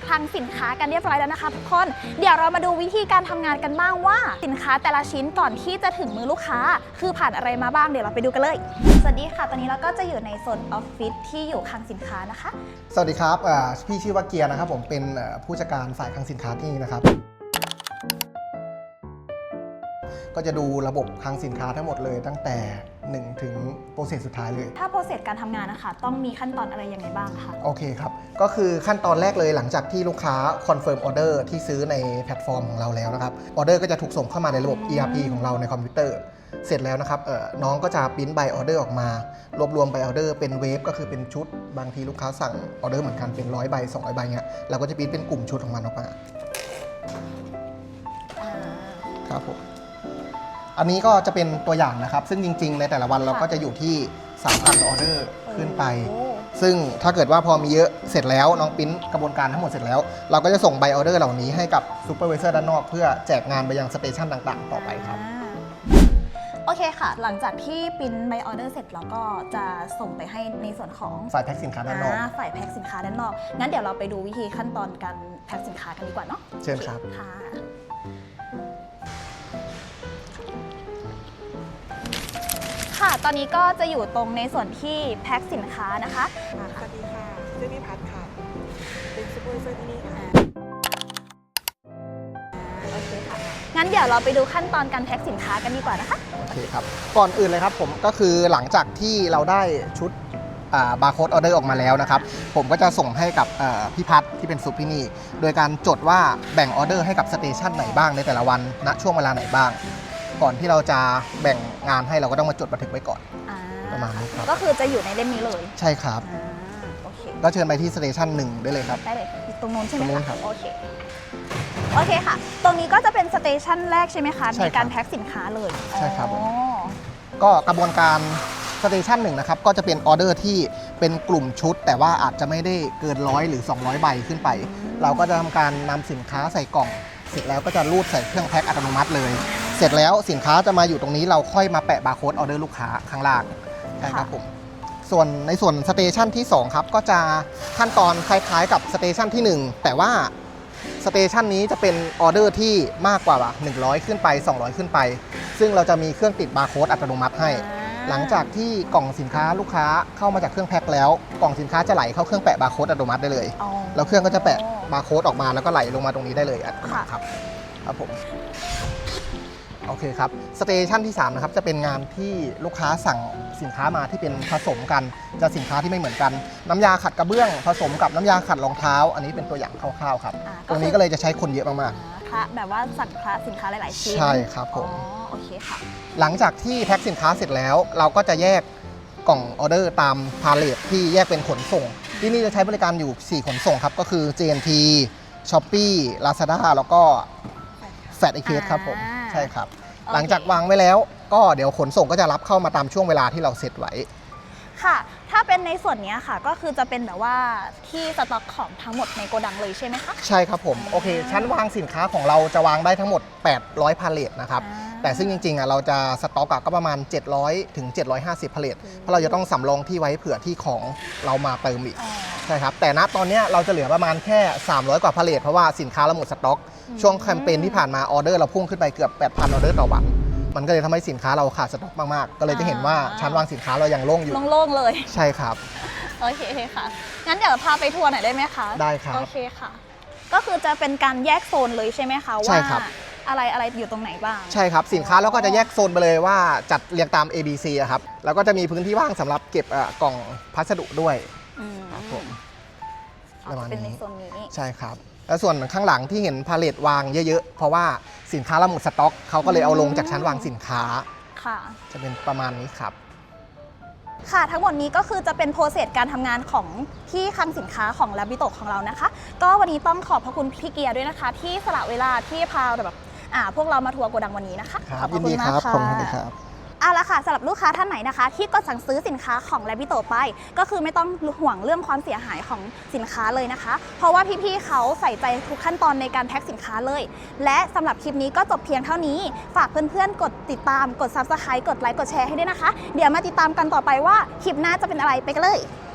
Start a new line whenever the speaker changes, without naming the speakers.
คลังสินค้ากันเรียบร้อยแล้วนะคะทุกคนเดี๋ยวเรามาดูวิธีการทำงานกันบ้างว่าสินค้าแต่ละชิ้นก่อนที่จะถึงมือลูกค้าคือผ่านอะไรมาบ้างเดี๋ยวเราไปดูกันเลยสวัสดีค่ะตอนนี้เราก็จะอยู่ในโซนออฟฟิศที่อยู่คลังสินค้านะคะ
สวัสดีครับพี่ชื่อว่าเกียร์นะครับผมเป็นผู้จัดการฝ่ายคลังสินค้าที่นี่นะครับก็จะดูระบบคลังสินค้าทั้งหมดเลยตั้งแต่1ถึงโปรเซสสุดท้ายเลย
ถ้าโปรเซสการทำงานนะคะต้องมีขั้นตอนอะไรยังไงบ้างคะ
โอเคครับก็คือขั้นตอนแรกเลยหลังจากที่ลูกค้าคอนเฟิร์มออเดอร์ที่ซื้อในแพลตฟอร์มของเราแล้วนะครับออเดอร์ก็จะถูกส่งเข้ามาในระบบ ERP ของเราในคอมพิวเตอร์เสร็จแล้วนะครับน้องก็จะปริ้นใบออเดอร์ออกมารวบรวมใบออเดอร์เป็นเวฟก็คือเป็นชุดบางทีลูกค้าสั่งออเดอร์เหมือนกันเป็น100 ใบ200 ใบเงี้ยเราก็จะปริ้นเป็นกลุ่มชุดของมันออกมาครับผมอันนี้ก็จะเป็นตัวอย่างนะครับซึ่งจริงๆในแต่ละวันเราก็จะอยู่ที่ 3,000 ออเดอร์ขึ้นไปซึ่งถ้าเกิดว่าพอมีเยอะเสร็จแล้วน้องปริ้นกระบวนการทั้งหมดเสร็จแล้วเราก็จะส่งใบออเดอร์เหล่านี้ให้กับซูเปอร์วิเซอร์ด้านนอกเพื่อแจกงานไปยังสเตชันต่างๆต่อไปครับ
โอเคค่ะหลังจากที่ปริ้นใบออเดอร์เสร็จเราก็จะส่งไปให้ในส่วนของ
ฝ่ายแพ็คสินค้าด้านนอก
ฝ่ายแพ็คสินค้าด้านนอกงั้นเดี๋ยวเราไปดูวิธีขั้นตอนการแพ็คสินค้ากันดีกว่าเนาะ
เชิญครับ
ค่ะตอนนี้ก็จะอยู่ตรงในส่วนที่แพ็คสินค้านะคะ
สวัสดีค่ะชื่อพี่พัฒค่ะเป็นซูเปอร์วิเซอร์ที่นี่ค่ะ
โอเคค่ะงั้นเดี๋ยวเราไปดูขั้นตอนการแพ็คสินค้ากันดีกว่านะคะ
โอเคครับก่อนอื่นเลยครับผมก็คือหลังจากที่เราได้ชุดบาร์โค้ดออเดอร์ออกมาแล้วนะครับผมก็จะส่งให้กับพี่พัฒที่เป็นซุปที่นี่โดยการจดว่าแบ่งออเดอร์ให้กับสเตชันไหนบ้างในแต่ละวันณช่วงเวลาไหนบ้างก่อนที่เราจะแบ่งงานให้เราก็ต้องมาจดบันทึกไว้ก่อนประมาณนี้ครับ
ก็คือจะอยู่ในเล่มนี้เลย
ใช่ครับ
โอเค
ก็เชิญไปที่สเตชัน1ได้เลยครับ
ได้เลยตรงนู้นใช่ไหม
ครับ
โอเคค่ะตรงนี้ก็จะเป็นสเตชันแรกใช่ไหมคะในการแพ็คสินค้าเลย
ใช่ครับก็กระบวนการสเตชัน1นะครับก็จะเป็นออเดอร์ที่เป็นกลุ่มชุดแต่ว่าอาจจะไม่ได้เกิน100หรือ200ใบขึ้นไปเราก็จะทำการนำสินค้าใส่กล่องเสร็จแล้วก็จะรูดใส่เครื่องแพ็คอัตโนมัติเลยเสร็จแล้วสินค้าจะมาอยู่ตรงนี้เราค่อยมาแปะบาร์โค้ดออเดอร์ลูกค้าข้างล่างนะครับผมส่วนในส่วนสเตชันที่2ครับก็จะขั้นตอนคล้ายๆกับสเตชันที่1แต่ว่าสเตชันนี้จะเป็นออเดอร์ที่มากกว่า100ขึ้นไป200ขึ้นไปซึ่งเราจะมีเครื่องติดบาร์โค้ดอัตโนมัติให้หลังจากที่กล่องสินค้าลูกค้าเข้ามาจากเครื่องแพ็คแล้วกล่องสินค้าจะไหลเข้าเครื่องแปะบาร์โค้ดอัตโนมัติได้เลยแล้วเครื่องก็จะแปะบาร์โค้ดออกมาแล้วก็ไหลลงมาตรงนี้ได้เลยครับผมโอเคครับสเตชันที่3นะครับจะเป็นงานที่ลูกค้าสั่งสินค้ามาที่เป็นผสมกันจะสินค้าที่ไม่เหมือนกันน้ำยาขัดกระเบื้องผสมกับน้ำยาขัดรองเท้าอันนี้เป็นตัวอย่างคร่าวๆครับตรงนี้ก็เลยจะใช้คนเยอะมาก
ๆค่ะแบบว่าสั่งสินค้าหลายๆชิ้น
ใช่ครับผม
โอเคค่ะ
หลังจากที่แพ็คสินค้าเสร็จแล้วเราก็จะแยกกล่องออเดอร์ตามพาเลทที่แยกเป็นขนส่งที่นี่จะใช้บริการอยู่4ขนส่งครับก็คือ JNT Shopee Lazada แล้วก็FatEKครับผมใช่ครับหลังจากวางไว้แล้วก็เดี๋ยวขนส่งก็จะรับเข้ามาตามช่วงเวลาที่เราเซตไว้
ค่ะถ้าเป็นในส่วนนี้ค่ะก็คือจะเป็นแบบว่าที่สต็อกของทั้งหมดในโกดังเลยใช่ไหมคะ
ใช่ครับผมโอเคชั้นวางสินค้าของเราจะวางได้ทั้งหมด800พาเลทนะครับแต่ซึ่งจริงๆเราจะสต็อกก็ประมาณ700ถึง750พาเลทเพราะเราจะต้องสำรองที่ไว้เผื่อที่ของเรามาเติมอีกใช่ครับแต่ณตอนนี้เราจะเหลือประมาณแค่300กว่าพาเลทเพราะว่าสินค้าเราหมดสต็อกช่วงแคมเปญที่ผ่านมาออเดอร์เราพุ่งขึ้นไปเกือบ 8,000 ออเดอร์ต่อวันมันก็เลยทำให้สินค้าเราขาดสต็อกมากๆก็เลยจะเห็นว่าชั้นวางสินค้าเรายังโล่งอยู่
โล่งเลย
ใช่ครับ
โอเคค่ะงั้นเดี๋ยวพาไปทัวร์หน่อยได้ไหมคะ
ได้ครับ
โอเคค่ะก็คือจะเป็นการแยกโซนเลยใช่ไหมคะว่าอะไรอยู่ตรงไหนบ้าง
ใช่ครับสินค้าเราก็จะแยกโซนไปเลยว่าจัดเรียงตาม ABC ครับแล้วก็จะมีพื้นที่ว่างสำหรับเก็บกล่องพัสดุด้วยครับผม
เป็นในโซนนี้
ใช่ครับแล้วส่วนข้างหลังที่เห็นพาเลทวางเยอะๆเพราะว่าสินค้าเราหมดสต็อกเขาก็เลยเอาลงจากชั้นวางสินค้า
ค่ะ
จะเป็นประมาณนี้ครับ
ค่ะทั้งหมดนี้ก็คือจะเป็นโปรเซสการทำงานของที่คลังสินค้าของลาบิโตะของเรานะคะก็วันนี้ต้องขอบพระคุณพี่เกียร์ด้วยนะคะที่สละเวลาที่พาแบบพวกเรามาทัวร์โกดังวันนี้นะคะ
ขอบคุณมากค่ะขอบคุณครับ
เอาละค่ะสำหรับลูกค้าท่านไหนนะคะที่กดสั่งซื้อสินค้าของลาบิโตะไปก็คือไม่ต้องห่วงเรื่องความเสียหายของสินค้าเลยนะคะเพราะว่าพี่ๆเขาใส่ใจทุกขั้นตอนในการแพ็คสินค้าเลยและสำหรับคลิปนี้ก็จบเพียงเท่านี้ฝากเพื่อนๆกดติดตามกด Subscribe กดไลค์กดแชร์ให้ด้วยนะคะเดี๋ยวมาติดตามกันต่อไปว่าคลิปหน้าจะเป็นอะไรไปกันเลย